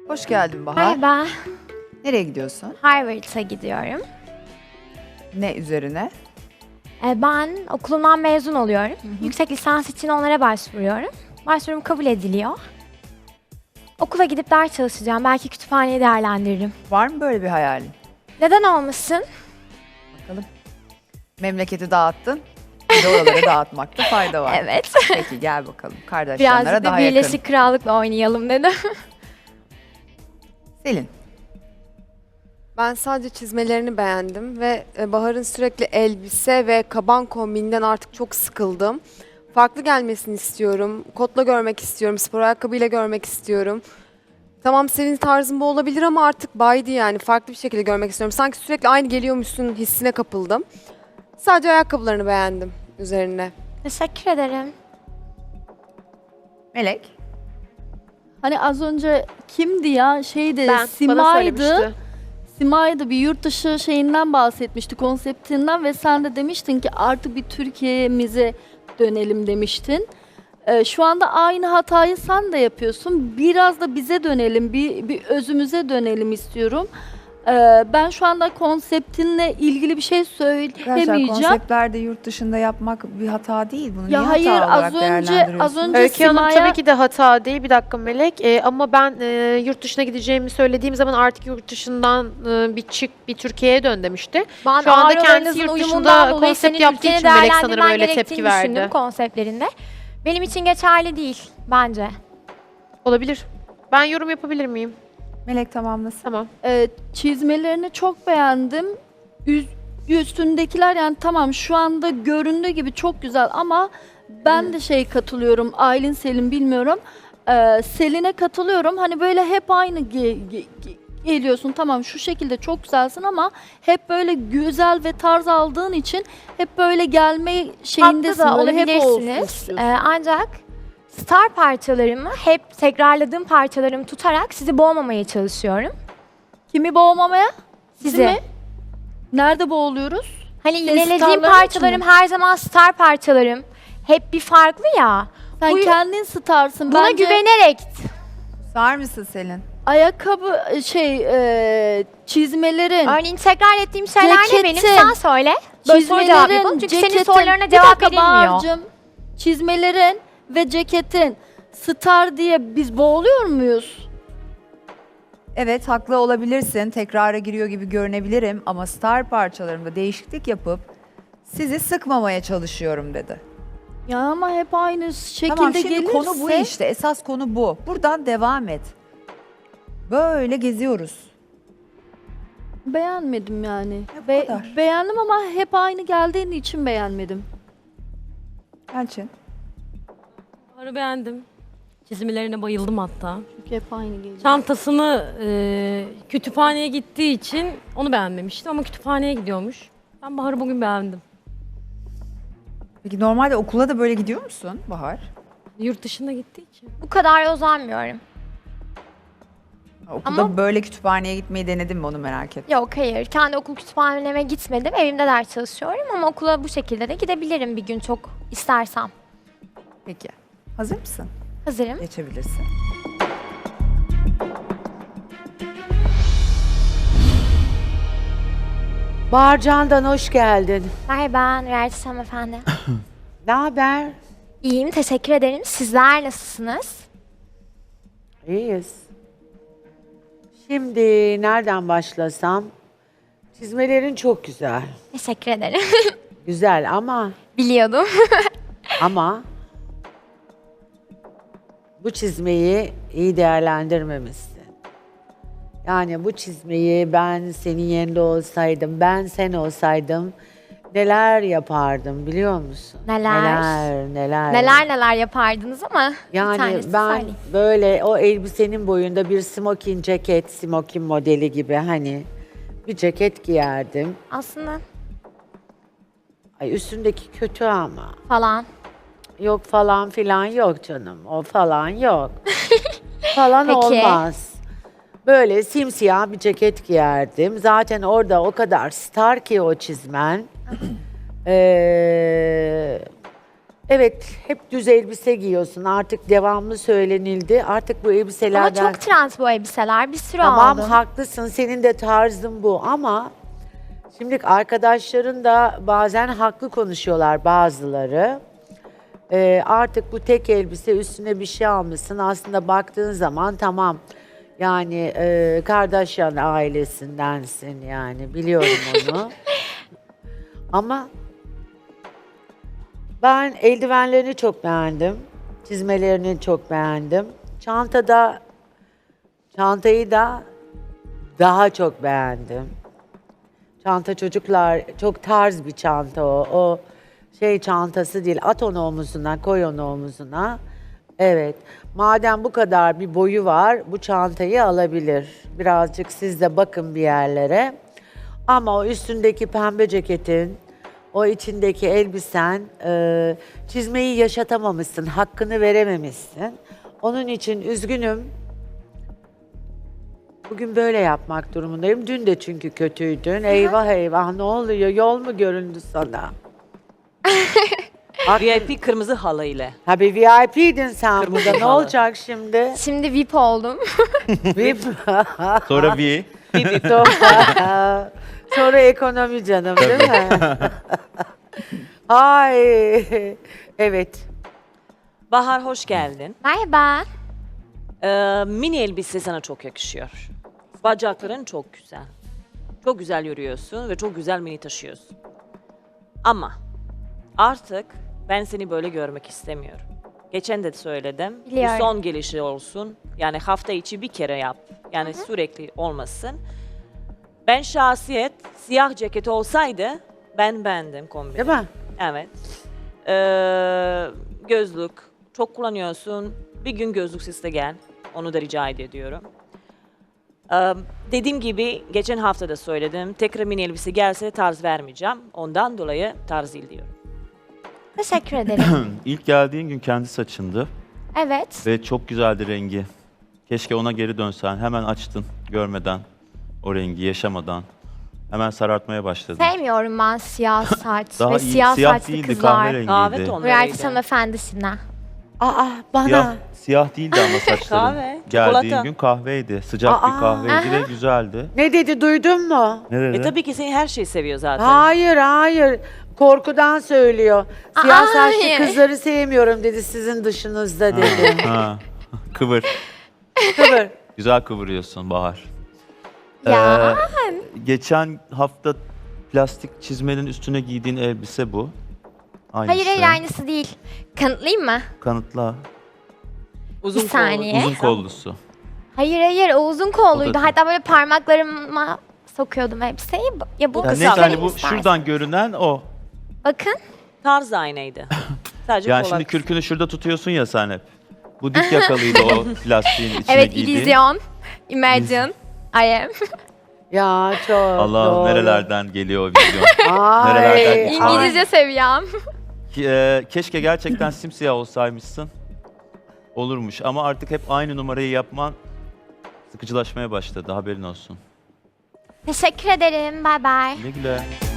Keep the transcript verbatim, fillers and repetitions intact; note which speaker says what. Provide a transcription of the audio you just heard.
Speaker 1: Hoş geldin Bahar.
Speaker 2: Merhaba,
Speaker 1: Nereye gidiyorsun?
Speaker 2: Harvard'a gidiyorum.
Speaker 1: Ne üzerine?
Speaker 2: Ee, Ben okulumdan mezun oluyorum. Yüksek lisans için onlara başvuruyorum. Başvurum kabul ediliyor. Okula gidip ders çalışacağım. Belki kütüphaneyi değerlendiririm.
Speaker 1: Var mı böyle bir hayalin?
Speaker 2: Neden olmasın?
Speaker 1: Bakalım. Memleketi dağıttın. Bir de oraları dağıtmakta fayda var.
Speaker 2: Evet.
Speaker 1: Peki gel bakalım. Kardeşlerlere
Speaker 2: Birazcık da
Speaker 1: daha
Speaker 2: Birleşik
Speaker 1: yakın.
Speaker 2: Krallık'la oynayalım dedim.
Speaker 1: Selin.
Speaker 3: Ben sadece çizmelerini beğendim ve e, Bahar'ın sürekli elbise ve kaban kombininden artık çok sıkıldım. Farklı gelmesini istiyorum. Kotla görmek istiyorum. Spor ayakkabıyla görmek istiyorum. Tamam senin tarzın bu olabilir ama artık baydı yani. Farklı bir şekilde görmek istiyorum. Sanki sürekli aynı geliyormuşsun hissine kapıldım. Sadece ayakkabılarını beğendim üzerine.
Speaker 2: Teşekkür ederim.
Speaker 1: Melek.
Speaker 4: Hani az önce kimdi ya? Şeydi,
Speaker 5: Ben, bana
Speaker 4: Simay'dı.
Speaker 5: söylemişti.
Speaker 4: Simay'dı bir yurt dışı şeyinden bahsetmişti, konseptinden ve sen de demiştin ki artık bir Türkiye'mize dönelim demiştin. Ee, şu anda aynı hatayı sen de yapıyorsun. Biraz da bize dönelim, bir, bir özümüze dönelim istiyorum. Ee, ben şu anda konseptinle ilgili bir şey
Speaker 1: Arkadaşlar
Speaker 4: söylemeyeceğim.
Speaker 1: konseptlerde yurt dışında yapmak bir hata değil. Bunu
Speaker 4: Ya
Speaker 1: niye
Speaker 4: hayır,
Speaker 1: hata olarak
Speaker 4: az önce-
Speaker 1: değerlendiriyorsun?
Speaker 4: az önce-
Speaker 5: Öykü Hanım
Speaker 4: Sima'ya-
Speaker 5: tabii ki de hata değil. Bir dakika Melek. Ee, ama ben e, yurt dışına gideceğimi söylediğim zaman artık yurt dışından e, bir çık, bir Türkiye'ye dön demişti.
Speaker 2: Ben
Speaker 5: Şu anda
Speaker 2: ağrılarınızın
Speaker 5: kendisi yurt dışında
Speaker 2: uyumundan dolayı
Speaker 5: konsept
Speaker 2: senin
Speaker 5: yaptığı
Speaker 2: ülkeni
Speaker 5: için Melek sanırım
Speaker 2: değerlendirmen
Speaker 5: öyle
Speaker 2: gerektiğini
Speaker 5: tepki verdi.
Speaker 2: düşündüm konseptlerinde. Benim için geçerli değil bence.
Speaker 5: Olabilir. Ben yorum yapabilir miyim?
Speaker 1: Melek tamamlasın.
Speaker 5: Tamam.
Speaker 4: Ee, çizmelerini çok beğendim. Üz- Üstündekiler yani tamam şu anda göründüğü gibi çok güzel ama ben de şey katılıyorum. Aylin Selin bilmiyorum. Ee, Selin'e katılıyorum. Hani böyle hep aynı ge- ge- ge- geliyorsun. Tamam şu şekilde çok güzelsin ama hep böyle güzel ve tarz aldığın için hep böyle gelme şeyindesin.
Speaker 2: Haklı da
Speaker 4: Böyle hep olsun
Speaker 2: olabilirsiniz.
Speaker 4: istiyorsun.
Speaker 2: Ee, ancak star parçalarımı hep tekrarladığım parçalarımı tutarak sizi boğmamaya çalışıyorum.
Speaker 4: Kimi boğmamaya?
Speaker 2: Sizi.
Speaker 4: mi? Nerede boğuluyoruz?
Speaker 2: Hani
Speaker 4: Senin
Speaker 2: yinelediğim
Speaker 4: starların
Speaker 2: parçalarım
Speaker 4: için mi?
Speaker 2: her zaman star parçalarım. Hep bir farklı ya.
Speaker 4: Sen
Speaker 2: Bu-
Speaker 4: kendin starsın.
Speaker 2: Buna
Speaker 4: Bence
Speaker 2: güvenerek
Speaker 1: Sar mısın Selin?
Speaker 4: ayakkabı şey e, çizmelerin,
Speaker 2: örneğin tekrar ettiğim şeyler ne benim?
Speaker 4: Ceketin,
Speaker 2: Sen söyle. Böyle soru cevap yapalım.
Speaker 4: çizmelerin,
Speaker 2: Çünkü senin
Speaker 4: ceketin,
Speaker 2: sorularına
Speaker 4: bir
Speaker 2: cevap
Speaker 4: dakika
Speaker 2: verilmiyor.
Speaker 4: Bahar'cığım, çizmelerin ve ceketin star diye biz boğuluyor muyuz?
Speaker 1: Evet haklı olabilirsin. Tekrara giriyor gibi görünebilirim ama star parçalarımda değişiklik yapıp sizi sıkmamaya çalışıyorum dedi.
Speaker 4: Ya ama hep aynı şekilde
Speaker 1: Tamam şimdi
Speaker 4: gelirse
Speaker 1: konu bu işte. Esas konu bu. Buradan devam et. Böyle geziyoruz.
Speaker 4: beğenmedim yani.
Speaker 1: bu
Speaker 4: Be-
Speaker 1: kadar.
Speaker 4: beğendim ama hep aynı geldiğin için beğenmedim.
Speaker 1: Elçin.
Speaker 6: Bahar'ı beğendim. Çizimlerine bayıldım hatta.
Speaker 4: Çünkü hep aynı geliyor.
Speaker 6: Çantasını e, kütüphaneye gittiği için onu beğenmemiştim ama kütüphaneye gidiyormuş. Ben Bahar'ı bugün beğendim.
Speaker 1: Peki normalde okula da böyle gidiyor musun Bahar?
Speaker 6: Yurt dışına gittiği için.
Speaker 2: Bu kadar uzanmıyorum.
Speaker 1: Okulda
Speaker 2: Ama-
Speaker 1: böyle kütüphaneye gitmeyi denedin mi onu merak ettim.
Speaker 2: Yok hayır. Kendi okul kütüphaneme gitmedim. Evimde ders çalışıyorum ama okula bu şekilde de gidebilirim bir gün çok istersem.
Speaker 1: Peki. Hazır mısın?
Speaker 2: Hazırım.
Speaker 1: Geçebilirsin.
Speaker 7: Bağırcan'dan hoş geldin.
Speaker 2: Merhaba Nurerçin hanımefendi.
Speaker 7: Ne haber?
Speaker 2: İyiyim, teşekkür ederim. Sizler nasılsınız?
Speaker 7: İyiyiz. Şimdi nereden başlasam? Çizmelerin çok güzel.
Speaker 2: Teşekkür ederim.
Speaker 7: Güzel ama
Speaker 2: Biliyordum.
Speaker 7: ama bu çizmeyi iyi değerlendirmemişsin. Yani bu çizmeyi ben senin yerinde olsaydım, ben sen olsaydım neler yapardım biliyor musun?
Speaker 2: Neler?
Speaker 7: Neler, neler.
Speaker 2: neler neler yapardınız ama bir
Speaker 7: Yani
Speaker 2: tanesini
Speaker 7: ben
Speaker 2: söyleyeyim.
Speaker 7: böyle o elbisenin boyunda bir smoking ceket, smoking modeli gibi hani bir ceket giyerdim.
Speaker 2: Aslında
Speaker 7: Ay üstündeki kötü ama.
Speaker 2: falan.
Speaker 7: Yok falan filan yok canım. O falan yok. falan
Speaker 2: Peki.
Speaker 7: olmaz. Böyle simsiyah bir ceket giyerdim. Zaten orada o kadar star ki o çizmen. Ee, Evet, hep düz elbise giyiyorsun. Artık devamlı söylenildi. Artık bu
Speaker 2: Ama
Speaker 7: elbiselerden...
Speaker 2: çok trend bu elbiseler. Bir sürü
Speaker 7: Tamam,
Speaker 2: aldım.
Speaker 7: haklısın. Senin de tarzın bu ama şimdi arkadaşların da bazen haklı konuşuyorlar bazıları. Ee, artık bu tek elbise üstüne bir şey almışsın. Aslında baktığın zaman tamam. Yani e, Kardashian ailesindensin yani biliyorum onu. Ama ben eldivenlerini çok beğendim. Çizmelerini çok beğendim. Çantada çantayı da daha çok beğendim. Çanta çocuklar çok tarz bir çanta o. O şey çantası değil. At onu omuzuna, koy onu omuzuna. Evet. Madem bu kadar bir boyu var, bu çantayı alabilir. Birazcık siz de bakın bir yerlere. Ama o üstündeki pembe ceketin, o içindeki elbisen, e, çizmeyi yaşatamamışsın, hakkını verememişsin. Onun için üzgünüm. Bugün böyle yapmak durumundayım. Dün de çünkü kötüydün. Eyvah eyvah ne oluyor? Yol mu göründü sana?
Speaker 8: V I P kırmızı halı ile.
Speaker 7: Ha bir V I P'din sen
Speaker 8: Kırmızı
Speaker 7: burada. Ne
Speaker 8: halı.
Speaker 7: olacak şimdi?
Speaker 2: Şimdi V I P oldum.
Speaker 7: V I P.
Speaker 9: Sonra V.
Speaker 7: Sonra, sonra ekonomi canım değil mi? Ay. Evet.
Speaker 8: Bahar hoş geldin.
Speaker 2: Merhaba.
Speaker 8: Ee, mini elbise sana çok yakışıyor. Bacakların çok güzel. Çok güzel yürüyorsun ve çok güzel mini taşıyorsun. Ama artık ben seni böyle görmek istemiyorum. Geçen de söyledim.
Speaker 2: Biliyorum.
Speaker 8: Bu son gelişi olsun. Yani hafta içi bir kere yap. Yani sürekli olmasın. Ben şahsiyet siyah ceket olsaydı ben beğendim kombini.
Speaker 7: Değil mi?
Speaker 8: Evet. Ee, gözlük çok kullanıyorsun. Bir gün gözlüksüz de gel. Onu da rica ediyorum. Ee, dediğim gibi geçen hafta da söyledim. Tekrar mini elbise gelse tarz vermeyeceğim. Ondan dolayı tarz değil diyorum.
Speaker 2: Teşekkür ederim.
Speaker 9: İlk geldiğin gün kendi saçındı
Speaker 2: Evet.
Speaker 9: ve çok güzeldi rengi. Keşke ona geri dönsen. Hemen açtın görmeden o rengi, yaşamadan. Hemen sarartmaya başladın.
Speaker 2: Sevmiyorum ben siyah saç
Speaker 9: Daha
Speaker 2: ve
Speaker 9: iyi,
Speaker 2: siyah,
Speaker 9: siyah
Speaker 2: saçlı
Speaker 9: değildi,
Speaker 2: kızlar.
Speaker 9: kahverengiydi.
Speaker 8: Kahve
Speaker 2: Reality
Speaker 8: tonlarıydı.
Speaker 2: hanımefendisine.
Speaker 7: Aa bana.
Speaker 9: Siyah, siyah değildi ama saçların.
Speaker 8: Kahve,
Speaker 9: Geldiğin
Speaker 8: çikolata.
Speaker 9: gün kahveydi. Sıcak
Speaker 7: Aa,
Speaker 9: bir kahveydi ve güzeldi.
Speaker 7: Ne dedi duydun mu?
Speaker 9: Ne dedi?
Speaker 8: E tabii ki seni her şeyi seviyor zaten.
Speaker 7: Hayır hayır. Korkudan söylüyor. Siyah
Speaker 2: Aa,
Speaker 7: saçlı
Speaker 2: hayır.
Speaker 7: kızları sevmiyorum dedi sizin dışınızda dedi.
Speaker 9: Ha. Kıvır.
Speaker 7: Kıvır.
Speaker 9: Güzel kıvırıyorsun Bahar.
Speaker 2: Ya.
Speaker 9: Ee, geçen hafta plastik çizmenin üstüne giydiğin elbise bu. Aynısı.
Speaker 2: Hayır hayır aynısı değil. Kanıtlayayım mı?
Speaker 9: Kanıtla.
Speaker 8: Uzun
Speaker 2: Bir saniye.
Speaker 8: kollu.
Speaker 9: Uzun kollusu.
Speaker 2: Hayır hayır o uzun
Speaker 9: O
Speaker 2: kolluydu.
Speaker 9: da-
Speaker 2: Hatta böyle parmaklarıma sokuyordum elbiseyi. Ya bu
Speaker 9: Yani
Speaker 2: kısa
Speaker 9: neyse
Speaker 2: benim
Speaker 9: hani bu
Speaker 2: istersen.
Speaker 9: şuradan görünen o.
Speaker 2: Bakın.
Speaker 8: Tarz aynıydı. Sadece
Speaker 9: Yani
Speaker 8: kolak.
Speaker 9: şimdi kürkünü şurada tutuyorsun ya sen hep. Bu dik yakalıydı o plastiğin içine
Speaker 2: Evet
Speaker 9: giydiğin.
Speaker 2: illüzyon. Imagine. I am.
Speaker 7: Ya çok
Speaker 9: Allah'ım
Speaker 7: doğru.
Speaker 9: nerelerden geliyor o vizyon.
Speaker 7: Ay,
Speaker 9: Nerelerden geçiyor?
Speaker 7: ay.
Speaker 2: İngilizce seviyem.
Speaker 9: Ki, e, keşke gerçekten simsiyah olsaymışsın. Olurmuş ama artık hep aynı numarayı yapman sıkıcılaşmaya başladı, haberin olsun.
Speaker 2: Teşekkür ederim. Bye bye.
Speaker 9: Güle güle.